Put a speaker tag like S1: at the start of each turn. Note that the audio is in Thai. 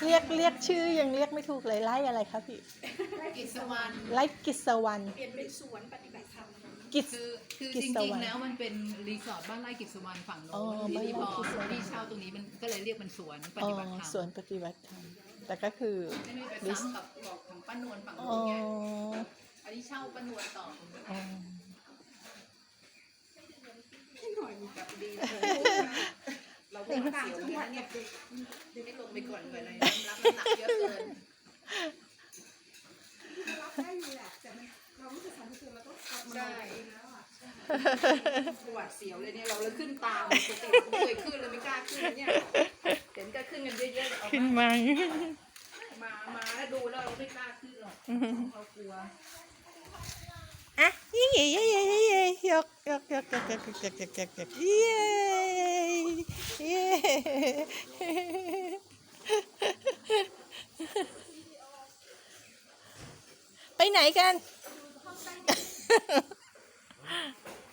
S1: เรียกชื่อยังเรียกไม่ถูกเลยไร่อะไรคะพี่
S2: กิจวรรณ
S1: ไร่กิจวรรณ
S3: เปลี่ยนเป็นสวนปฏิบัติธรรม
S1: กิจ
S2: คือจริงๆแล้วมันเป็นรีสอร์ทบ้านไร่กิจวรรณฝั่งโน้นทีนี้พอที่เช่าตรงนี้มันก็เลยเรียกมันสวนปฏิบัติธรรม
S1: สวนปฏิบัติธรรมแต่ก็คือ
S2: ไม่ได้ไปซ้ำกับบอกของป้านวลฝั่งโน้นไงอันนี้เช่าป้านวลต่อ
S3: หน่อยมีแบบดีเราเป็นต่างจังหวัดเนี่ย
S2: ไม่ลงไปก่อนเลยรับน้ำหนักเยอะเกิน
S3: รับได้อยู่แหละแต่เราไม่ใช่สารพิษเราต้องขับมาเองแล้วอ่ะปวดเสียวเลยเนี่ยเราเลยขึ้นตามปกติไม่เคยขึ้นเลยไม่กล้าขึ้นเนี่ยเห็นก็ขึ้นกันเยอะๆเอา
S1: ขึ้นมา
S3: มาแล้วดูแล้วเราไม่กล้าขึ้นหรอกเรากลัว
S1: อ่ะยี่ยี่ยี่ยี่ยี่ยกเย้เย้ไปไหนกัน